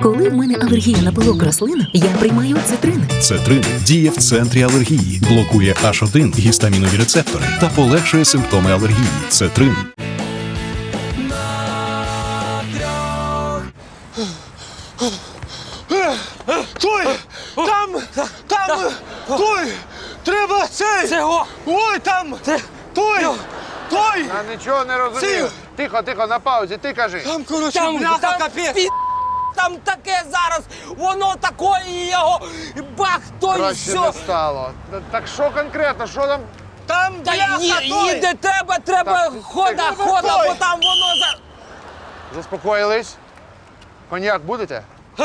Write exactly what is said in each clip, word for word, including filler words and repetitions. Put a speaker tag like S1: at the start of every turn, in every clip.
S1: Коли в мене алергія на пилок рослин, я приймаю цитрин.
S2: Цетрин діє в центрі алергії, блокує аш один гістамінові рецептори та полегшує симптоми алергії. Цетрин.
S3: Той! Там! Там! Той! Треба цей!
S4: Цього!
S3: Ой, там! Той! Той!
S5: Я нічого не розумію.
S3: Сів.
S5: Тихо, тихо, на паузі, ти кажи.
S3: Там, коротше,
S4: Там,
S3: бляха,
S4: там,
S3: капець!
S4: пі... там таке зараз, воно такої його, бах, то і
S5: Краще
S4: все.
S5: не стало. Та- Так що конкретно, що там?
S3: Там,
S4: Та
S3: бляха,
S4: ї-
S3: той!
S4: їде тебе, треба
S5: Так,
S4: хода,
S5: так,
S4: хода,
S3: той.
S4: бо там воно за...
S5: Заспокоїлись? Коньяк будете?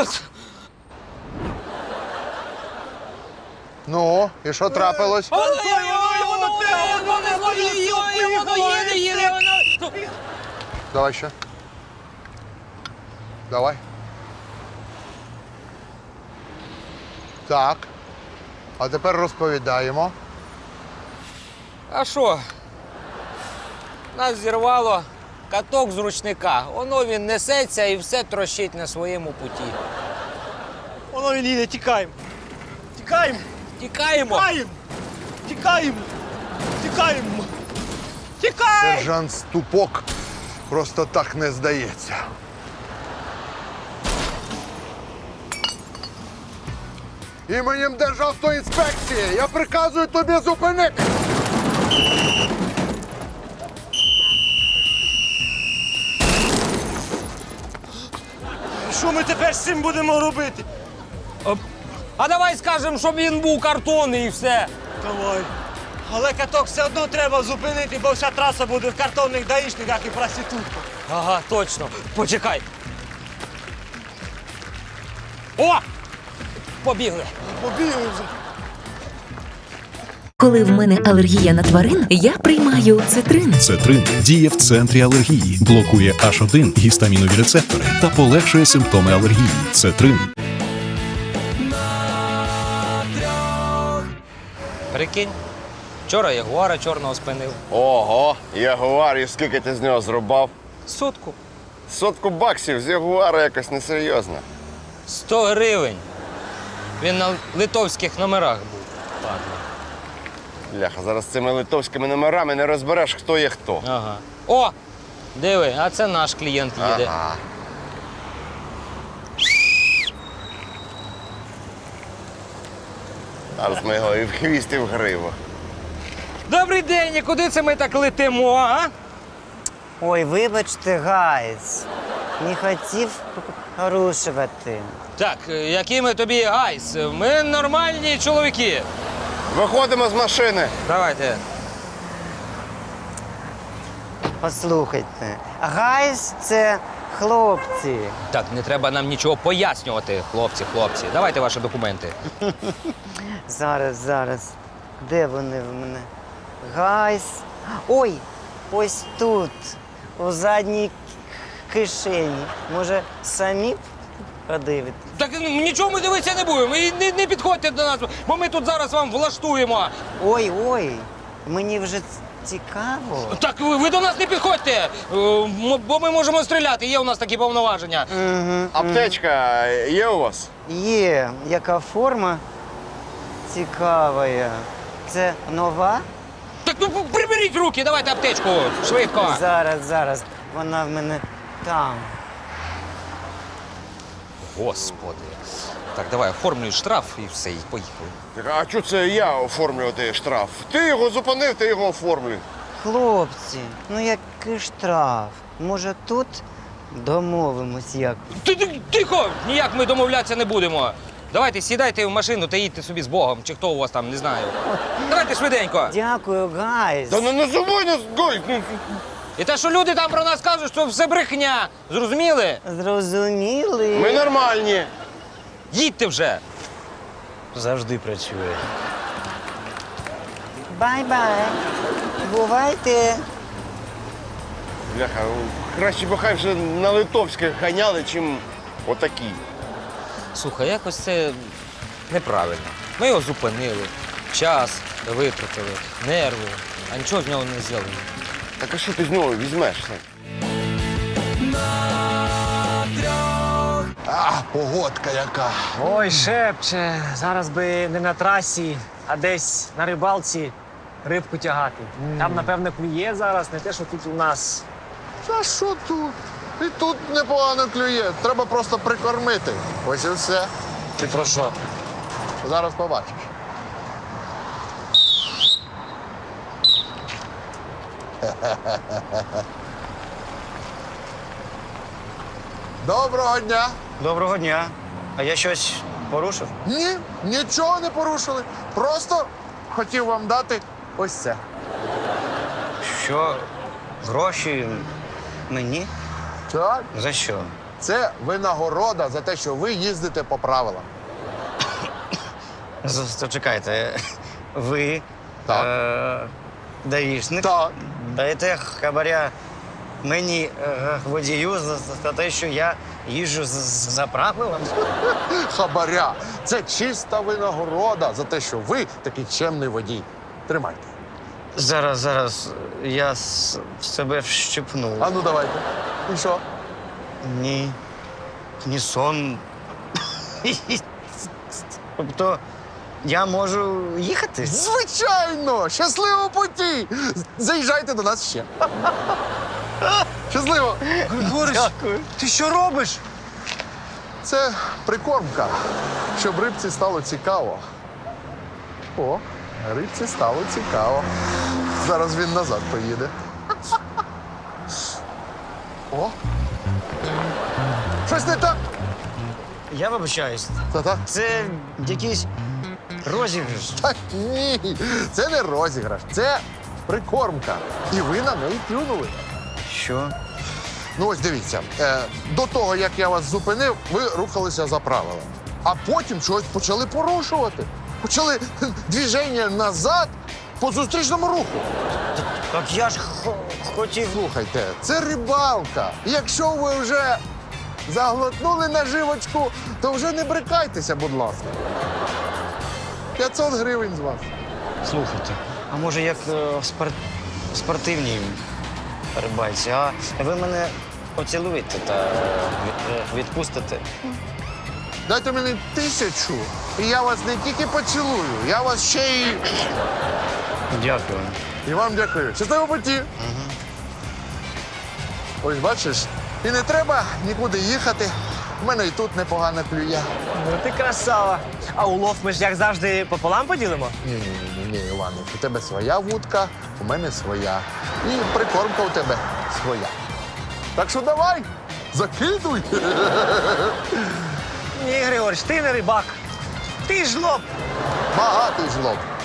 S5: Ну, і що трапилось?
S4: Воно,
S3: той,
S4: воно,
S3: воно,
S4: воно,
S3: треба,
S4: воно,
S3: воно,
S4: воно, їде,
S3: воно,
S4: воно їде, їде, воно.
S5: Давай ще. Давай. Так. А тепер розповідаємо.
S4: А що? Нас зірвало каток з ручника. Воно він несеться і все трощить на своєму путі.
S3: Воно він їде, тікаємо! Тікаємо!
S4: Тікаємо.
S3: Тікаємо! Тікаємо! Тікаємо! Тікаємо!
S5: Сержант Ступок просто так не здається. Іменем Державтоінспекції я приказую тобі зупинити.
S3: Що ми тепер з цим будемо робити?
S4: А давай скажемо, щоб він був картонний і все.
S3: Давай. Але каток все одно треба зупинити, бо вся траса буде в картонних даїшниках і проститутках.
S4: Ага, точно. Почекай. О! Побігли.
S3: Побігли вже.
S1: Коли в мене алергія на тварин, я приймаю цитрин.
S2: Цетрин діє в центрі алергії, блокує аш один гістамінові рецептори та полегшує симптоми алергії. Цетрин.
S4: Прикинь, вчора ягуара чорного спинив.
S6: Ого, ягуар, і скільки ти з нього зрубав?
S4: Сотку.
S6: Сотку баксів з ягуара якось несерйозно.
S4: Сто гривень. Він на литовських номерах був. Ладно.
S6: Бляха, зараз з цими литовськими номерами не розбереш, хто є хто.
S4: Ага. О! Диви, а це наш клієнт їде.
S6: Ага. Зараз ми його і в хвіст, і в гриву.
S4: Добрий день, і куди це ми так летимо, а?
S7: Ой, вибачте, гайс. Не хотів порушувати.
S4: Так, які ми тобі гайс? Ми нормальні чоловіки.
S6: Виходимо з машини.
S4: Давайте.
S7: Послухайте, гайс це хлопці.
S4: Так, не треба нам нічого пояснювати, хлопці, хлопці. Давайте ваші документи.
S7: Зараз, зараз. Де вони в мене? Гайс. Ой, ось тут, у задній кишені. Може, самі подивитесь?
S4: Так ну, нічого ми дивитися не будемо. І не, не підходьте до нас, бо ми тут зараз вам влаштуємо.
S7: Ой, ой, мені вже цікаво.
S4: Так ви, ви до нас не підходьте, е, м- бо ми можемо стріляти. Є у нас такі повноваження.
S7: Угу.
S6: Аптечка є у вас?
S7: Є, яка форма цікава. Це нова?
S4: Так ну приберіть руки, давайте аптечку, швидко.
S7: Зараз, зараз. Вона в мене там.
S4: Господи. Так, давай оформлюй штраф і все, і поїхали.
S6: Так, а чого це я оформлювати штраф? Ти його зупинив, ти його оформлюй.
S7: Хлопці, ну який штраф? Може тут домовимось як?
S4: Ти, ти, тихо! Ніяк ми домовлятися не будемо. Давайте сідайте в машину та їдьте собі з Богом, чи хто у вас там, не знаю. Давайте швиденько.
S7: Дякую, гайс.
S6: Та не називай нас, гой! ну,
S4: І те, що люди там про нас кажуть, що все брехня. Зрозуміли?
S7: Зрозуміли?
S6: Ми нормальні.
S4: Їдьте вже.
S3: Завжди працює.
S7: Бай-бай. Бувайте.
S6: Бляха, краще б хай вже на литовських ганяли, чим отакі.
S4: Слухай, якось це неправильно. Ми його зупинили, час витратили, нерви, а нічого з нього не взяли.
S6: Так а що ти з нього візьмеш?
S5: А, погодка яка.
S8: Ой, шепче, зараз би не на трасі, а десь на рибалці рибку тягати. Там, напевно, клює зараз, не те, що тут у нас.
S5: Та що тут? І тут непогано клює. Треба просто прикормити. Ось і все.
S8: Ти про що?
S5: Зараз побачиш. Доброго дня!
S7: Доброго дня. А я щось порушив?
S5: Ні, нічого не порушили. Просто хотів вам дати ось це.
S7: Що? Гроші мені?
S5: Так.
S7: За що?
S5: Це винагорода за те, що ви їздите по правилам.
S7: Чекайте, ви
S5: Так.
S7: Е- даїшник
S5: Так.
S7: даєте хабаря мені е, водію за, за те, що я їжджу з- з- за правилами?
S5: Хабаря. Це чиста винагорода за те, що ви такий чемний водій. Тримайте.
S7: Зараз, зараз, я с- себе вщипну.
S5: А ну давайте. І що?
S7: Ні. Ні сон. Тобто я можу їхати?
S5: Звичайно! Щасливого путі! Заїжджайте до нас ще. Щасливо!
S8: Григорич, ти що робиш?
S5: Це прикормка, щоб рибці стало цікаво. О, рибці стало цікаво. Зараз він назад поїде. О! Щось не так?
S7: Я вибачаюсь.
S5: Та так.
S7: Це якийсь розіграш.
S5: Та ні, це не розіграш, це прикормка. І ви на неї клюнули.
S7: Що?
S5: Ну ось дивіться, е, до того, як я вас зупинив, ви рухалися за правилами. А потім щось почали порушувати. Почали кхе, движення назад по зустрічному руху.
S7: Так я ж хо- хотів.
S5: Слухайте, це рибалка. Якщо ви вже заглотнули наживочку, то вже не брикайтеся, будь ласка. п'ятсот гривень з вас.
S7: Слухайте, а може як е, в спор... в спортивній рибальці, а ви мене поцілуєте та е, від- е, відпустите?
S5: Дайте мені тисячу, і я вас не тільки поцілую, я вас ще й.
S7: Дякую.
S5: І вам дякую. Щасливо путі. Ось бачиш, і не треба нікуди їхати. У мене і тут непогано клює.
S8: Ну ти красава. А улов ми ж як завжди пополам поділимо?
S5: Ні, ні, ні, ні, Іванов, у тебе своя вудка, у мене своя. І прикормка у тебе своя. Так що давай, закидуй.
S8: Ні, Григорич, ти не рибак. Ти жлоб.
S5: Багатий жлоб.